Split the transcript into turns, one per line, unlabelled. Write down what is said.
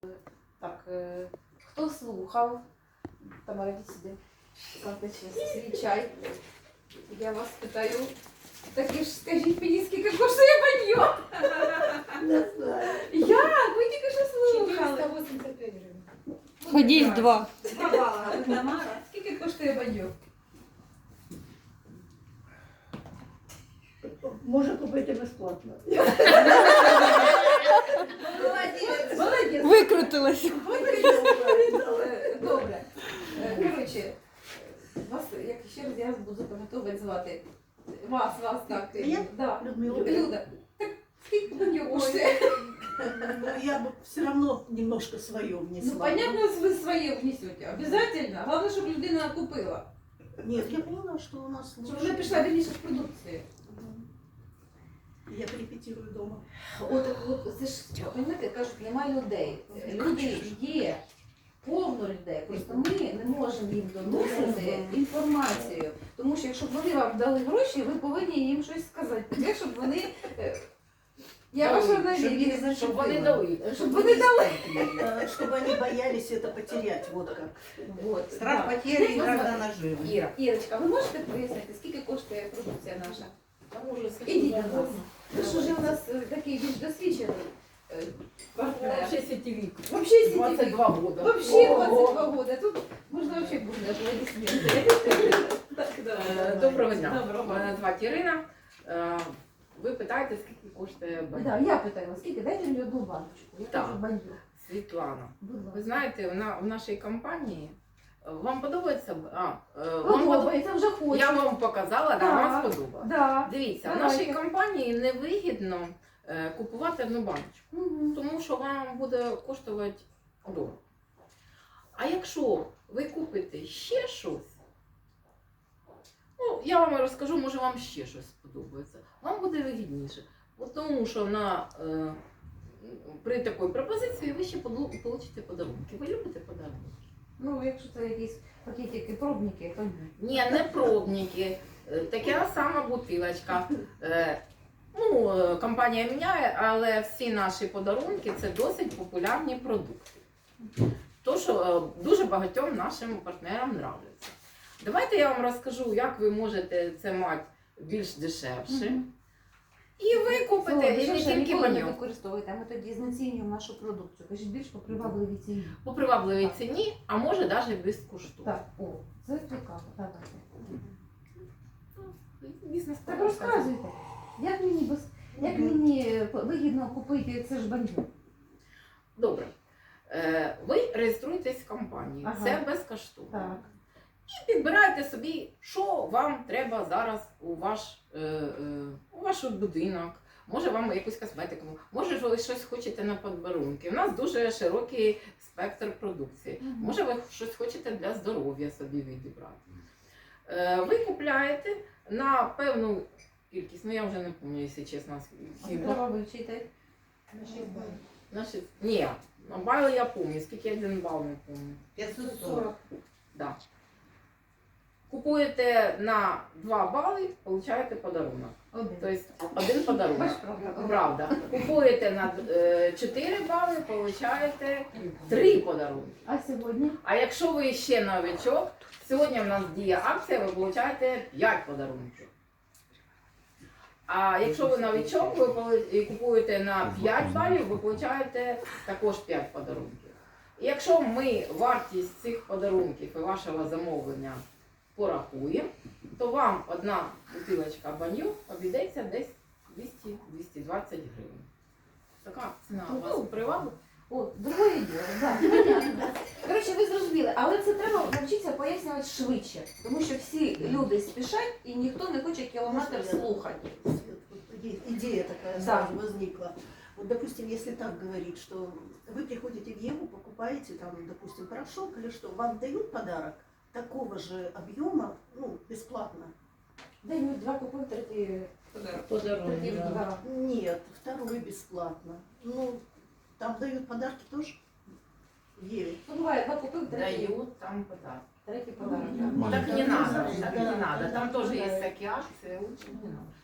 Так, хто слухав? Тамара, іди сюди. Ставте свій чай. Я вас питаю. Так і ж скажіть мені, скільки коштує баньйо?
Не знаю.
Як? Ви тільки що слухали.
485 гривень.
Ходіть два.
Тамара, скільки коштує баньйо?
Може купити безплатно.
Молодець. Молодець.
Викрутилась.
Добре. Коротше, вас, як ще раз я буду запам'ятовувати звати. Вас так.
Я?
Да.
Людмила.
Люда. Так скільки баньйо коштує?
Ну, я бы все равно немножко свое внесла.
Ну, понятно, вы свои внесете. Обязательно. Главное, чтобы людина купила.
Нет, я поняла, что у нас
Щоб
лучше.
вона пішла більше в продукції.
Я репетирую дома.
От це ж, розумієте, кажуть, немає людей. Люди є, повно людей. Просто ми не можемо їм доносити інформацію. Тому що якщо б вони вам дали гроші, ви повинні їм щось сказати. Таке, щоб вони... Я ваша навіть,
Щоб вони дали.
щоб вони дали.
Чтобы они боялись это потерять, вот как.
Вот,
Страх
да.
потери и иногда наживы.
Іра.
Ірочка, ви можете пояснити, скільки коштує продукція наша?
Там уже
Ідіть до нас. Ви ж уже у нас такий більш досвідчений партнер.
Вообще сетевик.
Вообще сетевик.
22 года.
Вообще 22 года. Тут можна вообще бурно аплодисменти. Так, давай.
Доброго дня.
Доброго.
Мене звати Ірина. Ви питаєте, скільки коштує баньйо?
Да, я питала, скільки? Дайте мені одну баночку. Я
Так.
кажу баньйо.
Світлана,
Будь ласка.
ви знаєте, в нашій компанії вам подобається?
Подобається, вже хочу.
Я вам показала, да, вам
Так.
сподобалось.
Да.
Дивіться, в
Давайте.
нашій компанії невигідно купувати одну баночку,
Мгм.
тому що вам буде коштувати дорого. А якщо ви купите ще щось, ну, я вам розкажу, може вам ще щось сподобається, вам буде вигідніше. От тому що при такій пропозиції ви ще получите подарунки. Ви любите подарунки?
Ну, якщо це якісь пакетики, пробники, то ні.
Ні, не пробники. Така сама бутилочка. Компанія міняє, але всі наші подарунки це досить популярні продукти. То, що дуже багатьом нашим партнерам подобається. Давайте я вам розкажу, як ви можете це мати більш дешевше.
Мгм.
І ви купите, і не тільки
ніколи не
баньйо.
використовуйте, а ми тоді знецінюємо нашу продукцію. Кажіть, більш по привабливій ціні.
По привабливій ціні, а може навіть безкоштовно.
Так, о, це цікаво, давайте.
Бізнес
Так розказуйте, як мені вигідно купити це ж баньйо?
Добре. Ви реєструєтесь в компанії,
Ага.
це безкоштовно.
Так.
І підбирайте собі, що вам треба зараз у ваш будинок. Може вам якусь косметику, може ви щось хочете на подарунки. У нас дуже широкий спектр продукції.
Мгм.
Може ви щось хочете для здоров'я собі відібрати. Ви купляєте на певну кількість, ну я вже не пам'ятаю, якщо чесно.
Треба вивчити.
Ні, на бали я пам'ятаю, скільки один бал не пам'ятаю.
540.
Да. Купуєте на 2 бали, получаєте подарунок.
Один.
Тобто один подарунок.
Бач, правда.
Правда. Купуєте на 4 бали, получаєте 3 подарунки.
А сьогодні?
А якщо ви ще новичок, сьогодні в нас діє акція, ви получаєте 5 подарунків. А якщо ви новичок, ви купуєте на 5 балів, ви получаєте також 5 подарунків. І якщо ми вартість цих подарунків і вашого замовлення порахуємо, то вам одна бутилочка баньйо обійдеться десь 200-220 гривень. Така ціна у вас привабить?
О, другое діло, так. Понятно. Коротше, ви зрозуміли, але це треба навчитися пояснювати швидше, тому що всі люди спішать і ніхто не хоче кілометр слухати.
Идея такая
Да.
сразу возникла. Вот, допустим, если так говорить, что вы приходите в Еву, покупаете там, допустим, порошок или что, вам дают подарок такого же объема, ну, бесплатно.
День 2 купив, третій третій, да.
Нет, второй бесплатно. Ну, там дают подарки тоже в Еве.
Ну, буває, 2 купив, третій,
Дають там подарок.
третій подарок.
Так не надо, так не надо. Там тоже есть такие акции, лучше не надо.